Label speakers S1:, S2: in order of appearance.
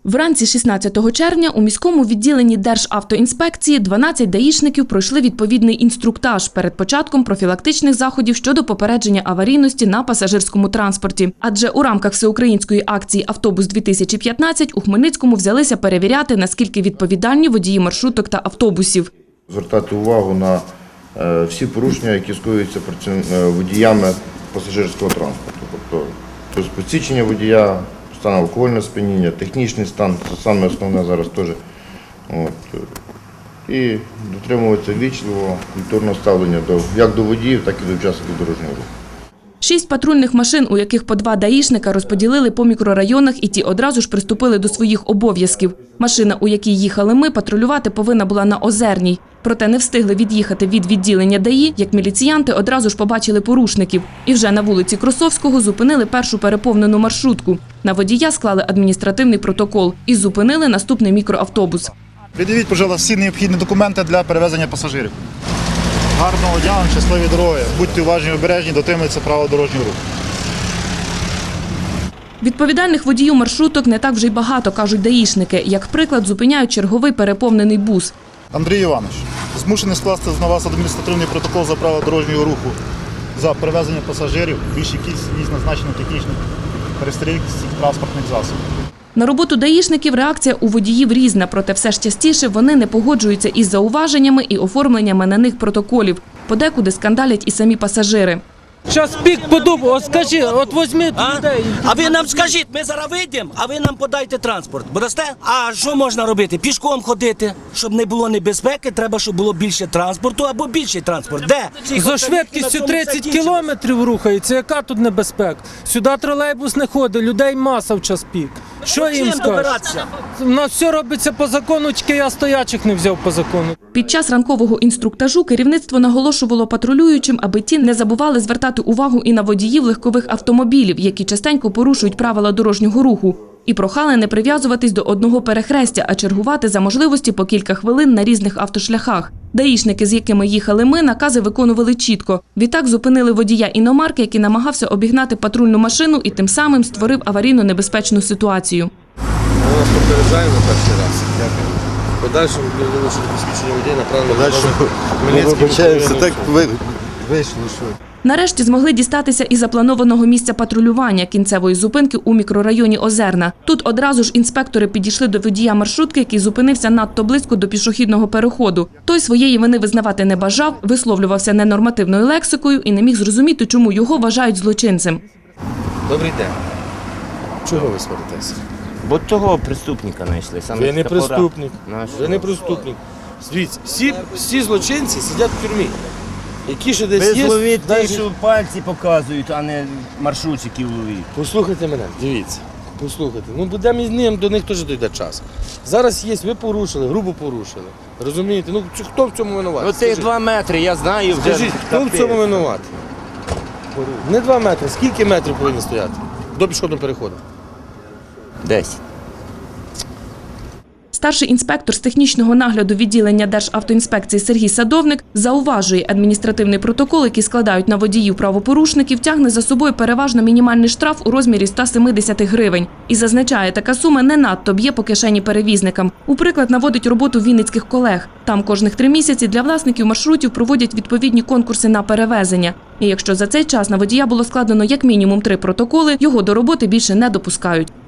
S1: Вранці 16 червня у міському відділенні Державтоінспекції 12 даїшників пройшли відповідний інструктаж перед початком профілактичних заходів щодо попередження аварійності на пасажирському транспорті. Адже у рамках всеукраїнської акції «Автобус-2015» у Хмельницькому взялися перевіряти, наскільки відповідальні водії маршруток та автобусів.
S2: Звертати увагу на всі порушення, які скоюються водіями пасажирського транспорту. Тобто посвідчення водія, стан алкогольного сп'яніння, технічний стан – це саме основне зараз теж. І дотримуватися ввічливого, культурного ставлення як до водіїв, так і до учасників дорожнього руху.
S1: 6 патрульних машин, у яких по 2 даїшника, розподілили по мікрорайонах, і ті одразу ж приступили до своїх обов'язків. Машина, у якій їхали ми, патрулювати повинна була на Озерній. Проте не встигли від'їхати від відділення ДАІ, як міліціянти одразу ж побачили порушників. І вже на вулиці Кросовського зупинили першу переповнену маршрутку. На водія склали адміністративний протокол і зупинили наступний мікроавтобус.
S3: Пред'явіть, будь ласка, всі необхідні документи для перевезення пасажирів. Гарного дня, щасливі дороги. Будьте уважні, обережні, дотримуйтеся правил дорожнього руху.
S1: Відповідальних водіїв маршруток не так вже й багато, кажуть даїшники. Як приклад, зупиняють черговий переповнений бус.
S3: Андрій Іванович, змушений скласти на вас адміністративний протокол за правила дорожнього руху за перевезення пасажирів, більшій кількість назначених технічних перестрілок транспортних засобів.
S1: На роботу даїшників реакція у водіїв різна, проте все ж частіше вони не погоджуються із зауваженнями і оформленнями на них протоколів. Подекуди скандалять і самі пасажири.
S4: Час пік подумав, от скажи, от візьміть людей.
S5: А ви нам скажіть, ми зараз вийдемо, а ви нам подайте транспорт. Будете? А що можна робити? Пішком ходити. Щоб не було небезпеки, треба, щоб було більше транспорту або більший транспорт. Де?
S4: За швидкістю 30 кілометрів рухається, яка тут небезпека? Сюди тролейбус не ходить, людей маса в час пік. Що їм скажеш? У нас все робиться по закону, тільки я стоячих не взяв по закону.
S1: Під час ранкового інструктажу керівництво наголошувало патрулюючим, аби ті не забували звертати увагу і на водіїв легкових автомобілів, які частенько порушують правила дорожнього руху. І прохали не прив'язуватись до одного перехрестя, а чергувати за можливості по кілька хвилин на різних автошляхах. Даїшники, з якими їхали ми, накази виконували чітко. Відтак зупинили водія іномарки, який намагався обігнати патрульну машину і тим самим створив аварійно-небезпечну ситуацію.
S6: Ми вас попереджаємо перший раз. Дякую. Подальшому для що посвідчення водія направлено до
S2: Вибачаємося, так вийшло, що...
S1: Нарешті змогли дістатися і запланованого місця патрулювання кінцевої зупинки у мікрорайоні Озерна. Тут одразу ж інспектори підійшли до водія маршрутки, який зупинився надто близько до пішохідного переходу. Той своєї вини визнавати не бажав, висловлювався ненормативною лексикою і не міг зрозуміти, чому його вважають злочинцем.
S6: Добрий день. Чого ви сваритеся?
S7: Бо того преступника знайшли.
S6: Ви не преступник. Ви не преступник. Дивіться, всі злочинці сидять в тюрмі. Які ще десь є...
S7: Ви зловіть тих, що пальці показують, а не маршрутчиків ловіть.
S6: Послухайте мене, дивіться. Послухайте. Ну, будемо із ним, до них теж дійде час. Зараз є, ви порушили, грубо порушили. Розумієте? Ну, хто в цьому винуватий?
S7: Ну, цих 2 метри, я знаю вже.
S6: Скажіть, хто в цьому винуватий? Не 2 метри, скільки метрів повинні стояти до пішохідного переходу?
S7: 10.
S1: Старший інспектор з технічного нагляду відділення Державтоінспекції Сергій Садовник зауважує, адміністративний протокол, який складають на водіїв правопорушників, тягне за собою переважно мінімальний штраф у розмірі 170 гривень. І зазначає, така сума не надто б'є по кишені перевізникам. У приклад наводить роботу вінницьких колег. Там кожних 3 місяці для власників маршрутів проводять відповідні конкурси на перевезення. І якщо за цей час на водія було складено як мінімум 3 протоколи, його до роботи більше не допускають.